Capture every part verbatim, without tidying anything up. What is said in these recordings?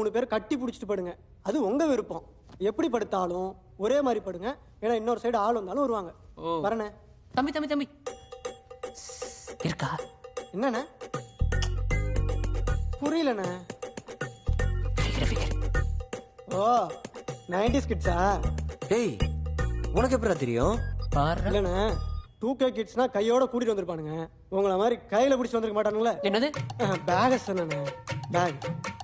மூணு பேர் கட்டி பிடிச்சிட்டு படுங்க. அது உங்க விருப்பம். எப்படி படுத்தாலும் ஒரே மாதிரி படுங்க. ஏன்னா இன்னொரு சைடு ஆள் வந்தாலும் வருவாங்க. வரண்ணே. தம்பி தம்பி தம்பி இருக்கா? என்னண்ணே புரியலண்ணே? ஓ நைன்டிஸ் கிட்ஸா? டேய் உனக்கு எப்படா தெரியும்? இல்லண்ணே டூ கே கிட்ஸ்னா கையோட கூட்டிட்டு வந்திருப்பானுங்க. உங்களை மாதிரி கையில பிடிச்சி வந்திருக்க மாட்டானுங்களே. என்னது? பேக சொன்னே பேக்.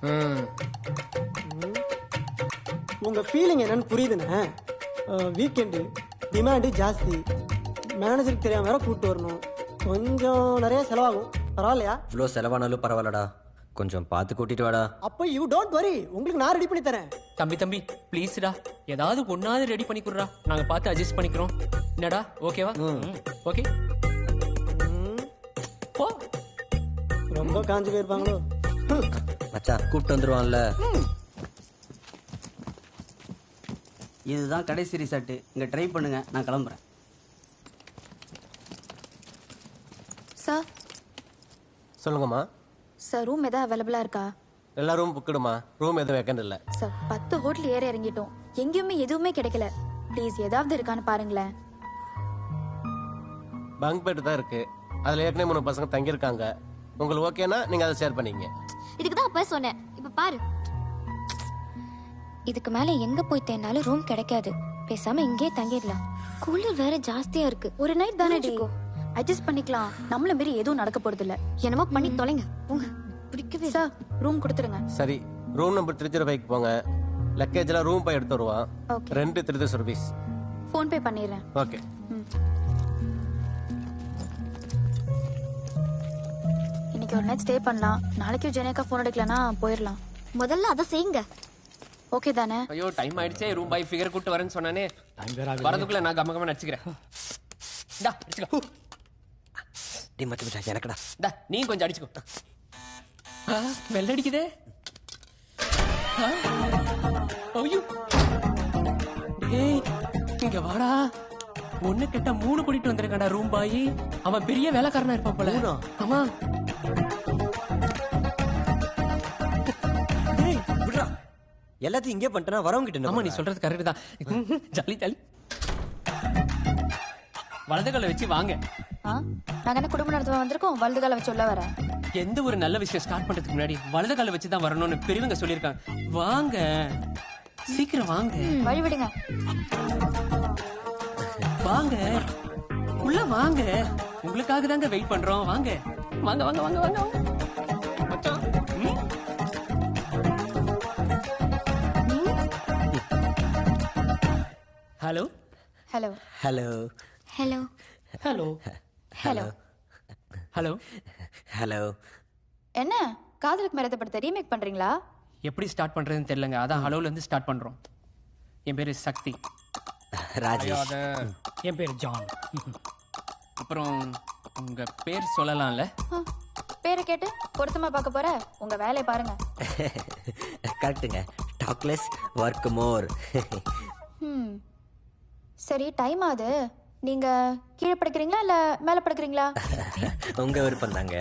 உங்க ஃபீலிங் என்னன்னு புரியுதுண்ணே. வீக்கெண்டு டிமாண்டு ஜாஸ்தி, மேனேஜருக்கு தெரியாம வேற கூப்பிட்டு வரணும், கொஞ்சம் நிறைய செலவாகும். பரவாயில்லையா? இவ்வளோ செலவானாலும் பரவாயில்லடா, கொஞ்சம் பார்த்து கூட்டிட்டு வாடா. அப்போ யூ டோன்ட் வரி, உங்களுக்கு நான் ரெடி பண்ணி தரேன். தம்பி தம்பி ப்ளீஸ்டா, ஏதாவது ஒன்னாவது ரெடி பண்ணி கொடுறா, நாங்க பார்த்து அட்ஜஸ்ட் பண்ணிக்கிறோம். என்னடா ஓகேவா? ஓகே போ. ரொம்ப காஞ்சு போயிருப்பாங்களோ. மச்சான் கூப்பிட்டு வந்துருவான்ல. இதுதான் கடைசி ரிசார்ட்டு, இங்கே ட்ரை பண்ணுங்க, நான் கிளம்புறேன். சார் சொல்லுங்கம்மா. சார் ரூம் எதாவது அவைலபிளா இருக்கா? எல்லா ரூம் புக்கிடுமா, ரூம் எதுவும் வேக்கண்ட் இல்லை. சார் பத்து ஹோட்டல் ஏற இறங்கிட்டோம், எங்கேயுமே எதுவுமே கிடைக்கல. ப்ளீஸ் ஏதாவது இருக்கான்னு பாருங்களேன். பங்க் பெட் தான் இருக்கு, அதில் ஏற்கனவே மூணு பசங்க தங்கியிருக்காங்க. உங்களுக்கு ஓகேனா நீங்கள் அதை ஷேர் பண்ணிங்க. இதுக்கு தான் அப்போ சொன்னேன், இப்போ பாரு. இதுக்கு மேல எங்க போய் தேனாலும் ரூம் கிடைக்காது, பேசாம இங்கே தங்கிடலாம். குளிர் வேற ஜாஸ்தியா இருக்கு. ஒரு நைட் தானே டிகோ, அட்ஜஸ்ட் பண்ணிக்கலாம். நம்மள மீறி எதுவும் நடக்க போறது இல்ல. என்னமோ பண்ணி தொலைங்க உங்க பிடிக்கவே. சார் ரூம் கொடுத்துருங்க. சரி, ரூம் நம்பர் த்ரீ ஜீரோ ஃபைவ்க்கு போங்க. லக்கேஜ்லாம் ரூம் போய் எடுத்து வருவான். Okay. ரெண்டு த்ரீ சர்வீஸ். ஃபோன் பே பண்ணிடுறேன். ஓகே. இன்னைக்கு ஒரு நைட் ஸ்டே பண்ணலாம், நாளைக்கு ஜெனேக்கா ஃபோன் எடுக்கலனா போயிடலாம். முதல்ல அதை செய்யுங்க. ஓகே தானே? ஐயோ டைம் ஆயிடுச்சே, ரூம் பாய் ஃபிகர் கூட்டு வரேன்னு சொன்னானே. வரதுக்குள்ள நான் கம்ம கம்ம நடிச்சுக்கிறேன். டா அடிச்சுக்கோ. டேய் மச்சான் மச்சான் எனக்குடா. டா நீ கொஞ்சம் அடிச்சுக்கோ. ஆ வெள்ள அடிக்குதே. ஆ ஐயோ டேய் இங்க வாடா. ஒண்ணு கிட்ட மூணு கூட்டிட்டு வந்திருக்கடா ரூம் பாய். அவன் பெரிய வேலைக்காரனா இருப்பான் போல. ஆமா எல்லாத்தையும் இங்கே பண்ணிட்டேனா வரவங்க கிட்ட. ஆமா நீ சொல்றது கரெக்ட் தான். Jolly jolly. வலது கால வச்சு வாங்க. நாங்க என்ன குடும்ப நடத்த வந்திருக்கோம், வலது கால வச்சு உள்ள வரேன். எந்த ஒரு நல்ல விஷயம் ஸ்டார்ட் பண்றதுக்கு முன்னாடி வலது கால வச்சு தான் வரணும்னு பெரியவங்க சொல்லியிருக்காங்க. வாங்க சீக்கிரம் வாங்க. வழி விடுங்க. வாங்க உள்ள வாங்க, உங்களுக்காக தாங்க வெயிட் பண்றோம். வாங்க வாங்க வாங்க வாங்க வாங்க மச்சான். Hello hello hello hello hello hello hello hello. என்ன காதலுக்கு மரத்தப்படுத்த ரீமேக் பண்றீங்களா? எப்படி ஸ்டார்ட் பண்றதுன்னு தெரியலங்க, அதான் ஹலோல இருந்து ஸ்டார்ட் பண்றோம். என் பேரு சக்தி. ராஜேஷ். என் பேர் ஜான். அப்புறம் உங்க பேர் சொல்லலாம்ல? பேரை கேட்டு பொருத்தமா பார்க்க போற, உங்க வேலையை பாருங்க. கரெக்டுங்க, டாக்லெஸ் ஒர்க் மோர். ம் சரி டைம் ஆகுது, நீங்க கீழே படுக்கிறீங்களா இல்ல மேல படுக்கிறீங்களா? உங்க விருப்பம் தாங்க.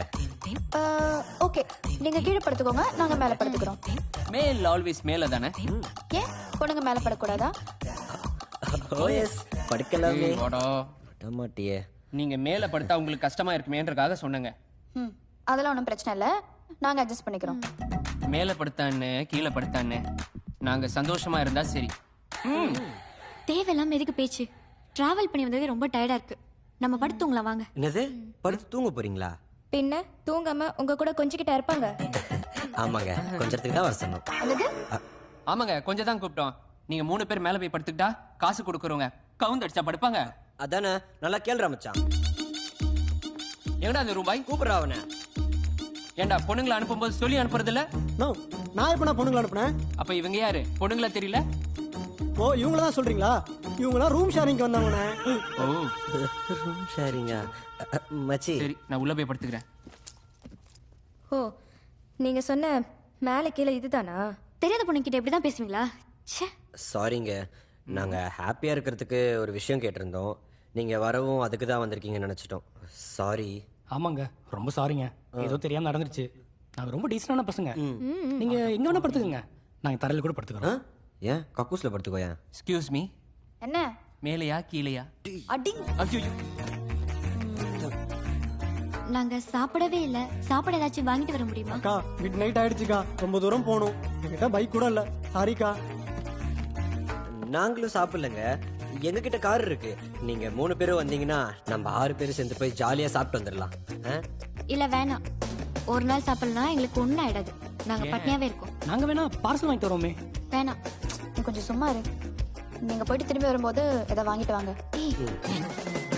ஓகே நீங்க கீழே படுத்துக்கோங்க, நாங்க மேல படுத்துக்கிறோம். மேல் ஆல்வேஸ் மேல தானே? ஏன் பொண்ணுங்க மேல படக்கூடாதா? ஓ எஸ் படுக்கலாமே. வாடா மாட்டியே. நீங்க மேல படுத்தா உங்களுக்கு கஷ்டமா இருக்குமேன்றதுக்காக சொன்னேங்க. ம் அதெல்லாம் ஒன்றும் பிரச்சனை இல்லை, நாங்க அட்ஜஸ்ட் பண்ணிக்கிறோம். மேல படுத்தான்னு கீழே படுத்தான்னு நாங்க சந்தோஷமா இருந்தா சரி. தேவையில்லாம எதுக்கு பேச்சு? டிராவல் பண்ணி வந்ததே ரொம்ப டயர்டா இருக்கு, நம்ம படுத்துங்களா வாங்க. என்னது படுத்து தூங்க போறீங்களா? பின்ன தூங்காம உங்க கூட கொஞ்சிக்கிட்டா இருப்பாங்க. ஆமாங்க, கொஞ்சத்துக்கு தான் வர சொன்னோம். ஆமாங்க கொஞ்சம் தான் கூப்பிட்டோம். நீங்க மூணு பேர் மேல போய் படுத்துக்கிட்டா காசு கொடுக்குறவங்க கவுந்து அடிச்சா படுப்பாங்க. அதானே, நல்லா கேள்றா மச்சான். எங்கடா அந்த ரூபாய் கூப்பிடுறா அவனை. ஏண்டா பொண்ணுங்களை அனுப்பும்போது சொல்லி அனுப்புறது இல்ல? நோ, நான் எப்ப நான் பொண்ணுங்களை அனுப்புனேன்? அப்ப இவங்க யாரு? பொண்ணுங்களா தெரியல? ஓ இவங்கள தான் சொல்றீங்களா? இவங்கலாம் ரூம் ஷேரிங்க்கு வந்தாங்கண்ணே. ஓ ரூம் ஷேரிங்கா? மச்சி சரி நான் உள்ள போய் படுத்துக்கிறேன். ஓ நீங்க சொன்ன மேலே கீழே இதுதானா? தெரியாத பொண்ணுகிட்ட இப்படிதான் பேசுவீங்களா? ச்சே. சாரிங்க, நாங்க ஹாப்பியா இருக்கிறதுக்கு ஒரு விஷயம் கேட்டிருந்தோம். நீங்க வரவும் அதுக்கு தான் வந்திருக்கீங்கன்னு நினைச்சிட்டோம். சாரி. ஆமாங்க ரொம்ப சாரிங்க, ஏதோ தெரியாம நடந்துருச்சு. நாங்க ரொம்ப டீசென்டான பசங்க. நீங்க எங்க வேணா படுத்துக்கங்க, நாங்கள் தரையில் கூட ஆ? படுத்துக்கிறோம். ஏன் கக்கூஸ்ல படுத்துக்கோ ஏன் எக்ஸ்கியூஸ் மீ, என்ன மேலையா கீழையா? அடி ஐயோ, நாங்க சாப்பிடவே இல்ல. சாப்பாடு ஏதாச்சும் வாங்கிட்டு வர முடியுமா? அக்கா மிட் நைட் ஆயிடுச்சுக்கா, ரொம்ப தூரம் போகணும். என்கிட்ட பைக் கூட இல்ல, சாரிக்கா. நாங்களும் சாப்பிடலங்க, எங்ககிட்ட கார் இருக்கு. நீங்க மூணு பேரும் வந்தீங்கன்னா நம்ம ஆறு பேரும் சேர்ந்து போய் ஜாலியா சாப்பிட்டு வந்துடலாம். ஆ? இல்ல வேணாம். ஒரு நாள் சாப்பிடலாம், எங்களுக்கு ஒன்னும் ஆயிடாது. நாங்க பட்னியாவே இருக்கோம். நாங்கள் வேணா பார்சல் வாங்கிட்டு வரோமே. வேணாம். நீ கொஞ்சம் சும்மா இரு. நீங்க போயிட்டு திரும்பி வரும்போது எதை வாங்கிட்டு வாங்க. ஏய்,